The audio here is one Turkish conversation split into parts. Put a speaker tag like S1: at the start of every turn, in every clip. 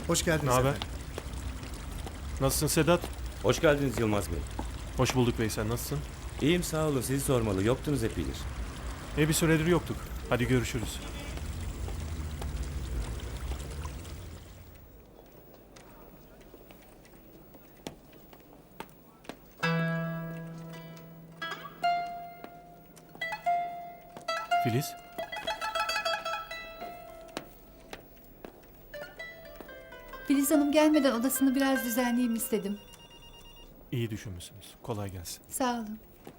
S1: Hoş geldiniz
S2: Ne haber?
S1: efendim.
S2: Nasılsın Sedat?
S3: Hoş geldiniz Yılmaz Bey.
S2: Hoş bulduk Veysel, nasılsın?
S3: İyiyim sağ olun, sizi sormalı. Yoktunuz epeydir.
S2: Bir süredir yoktuk. Hadi görüşürüz. Filiz?
S4: Filiz Hanım gelmeden odasını biraz düzenleyeyim istedim.
S2: İyi düşünmüşsünüz. Kolay gelsin.
S4: Sağ olun.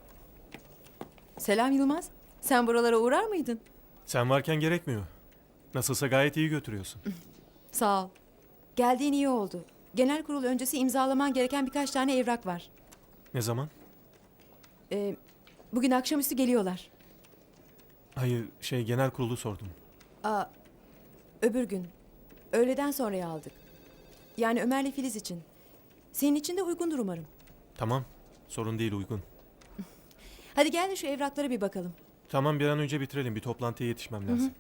S5: Selam Yılmaz. Sen buralara uğrar mıydın?
S2: Sen varken gerekmiyor. Nasılsa gayet iyi götürüyorsun.
S5: Sağ ol. Geldiğin iyi oldu. Genel kurul öncesi imzalaman gereken birkaç tane evrak var.
S2: Ne zaman?
S5: Bugün akşamüstü geliyorlar.
S2: Hayır, genel kurulu sordum.
S5: Öbür gün. Öğleden sonraya aldık. Yani Ömer'le Filiz için. Senin için de uygundur umarım.
S2: Tamam, sorun değil, uygun.
S5: Hadi gel de şu evraklara bir bakalım.
S2: Tamam, bir an önce bitirelim. Bir toplantıya yetişmem lazım.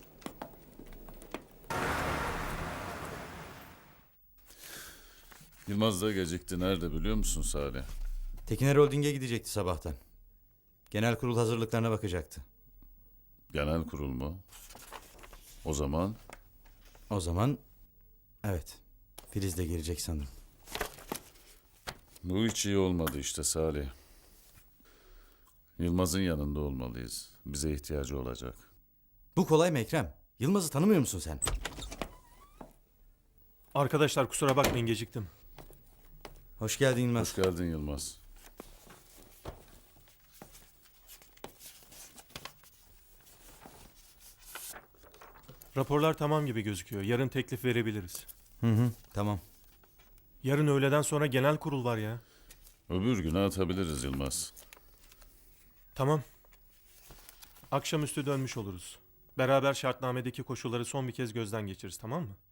S6: Yılmaz da gecikti. Nerede biliyor musun Salih?
S7: Tekiner Holding'e gidecekti sabahtan. Genel kurul hazırlıklarına bakacaktı.
S6: Genel kurul mu? O zaman
S7: O zaman evet, Filiz de gelecek sanırım.
S6: bu hiç iyi olmadı işte Salih. Yılmaz'ın yanında olmalıyız. Bize ihtiyacı olacak.
S7: Bu kolay mı Ekrem? Yılmaz'ı tanımıyor musun sen?
S2: Arkadaşlar kusura bakmayın, geciktim.
S7: Hoş geldin Yılmaz.
S6: Hoş geldin Yılmaz.
S2: Raporlar tamam gibi gözüküyor. Yarın teklif verebiliriz.
S7: Tamam.
S2: Yarın öğleden sonra genel kurul var ya.
S6: Öbür güne atabiliriz Yılmaz.
S2: Tamam. Akşamüstü dönmüş oluruz. Beraber şartnamedeki koşulları son bir kez gözden geçiririz, tamam mı?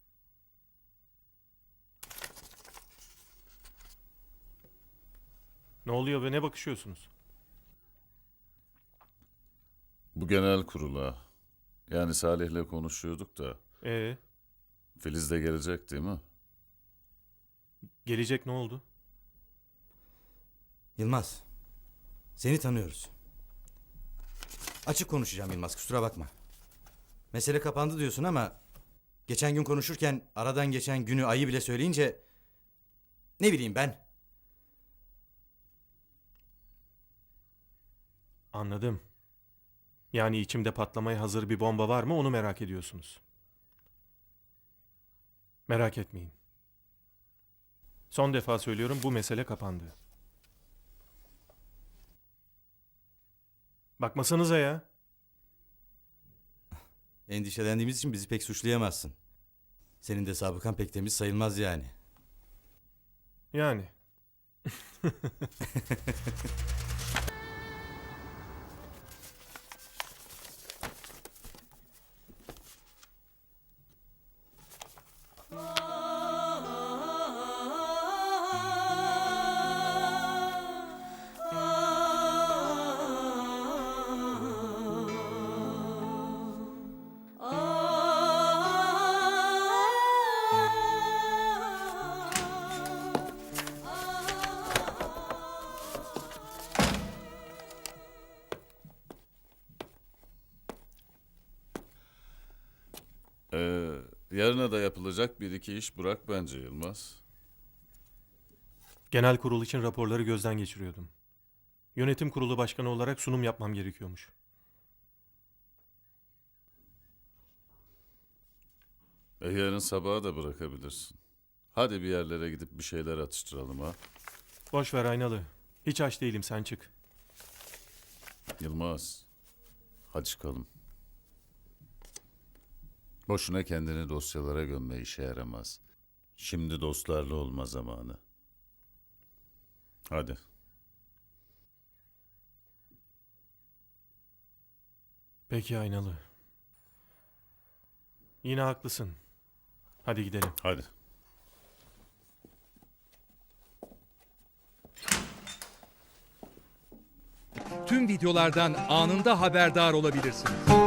S2: Ne oluyor ve ne bakışıyorsunuz?
S6: Bu genel kurula, yani Salih'le konuşuyorduk da
S2: Ee,
S6: Filiz de gelecek değil mi?
S2: gelecek ne oldu?
S7: Yılmaz, seni tanıyoruz. Açık konuşacağım Yılmaz, kusura bakma. Mesele kapandı diyorsun ama geçen gün konuşurken aradan geçen günü, ayı bile söyleyince ne bileyim ben.
S2: Anladım. Yani içimde patlamaya hazır bir bomba var mı, onu merak ediyorsunuz. Merak etmeyin. Son defa söylüyorum, bu mesele kapandı. Bakmasanıza ya.
S7: Endişelendiğimiz için bizi pek suçlayamazsın. Senin de sabıkan pek temiz sayılmaz yani.
S2: Yani.
S6: Yarına da yapılacak bir iki iş bırak bence Yılmaz.
S2: Genel kurul için raporları gözden geçiriyordum. Yönetim kurulu başkanı olarak sunum yapmam gerekiyormuş.
S6: Yarın sabaha da bırakabilirsin. Hadi bir yerlere gidip bir şeyler atıştıralım ha.
S2: Boş ver Aynalı. Hiç aç değilim, sen çık.
S6: Yılmaz, hadi çıkalım. Boşuna kendini dosyalara gömme, işe yaramaz. Şimdi dostlarla olma zamanı. Hadi.
S2: Peki Aynalı. Yine haklısın. Hadi gidelim.
S6: Hadi.
S8: Tüm videolardan anında haberdar olabilirsiniz.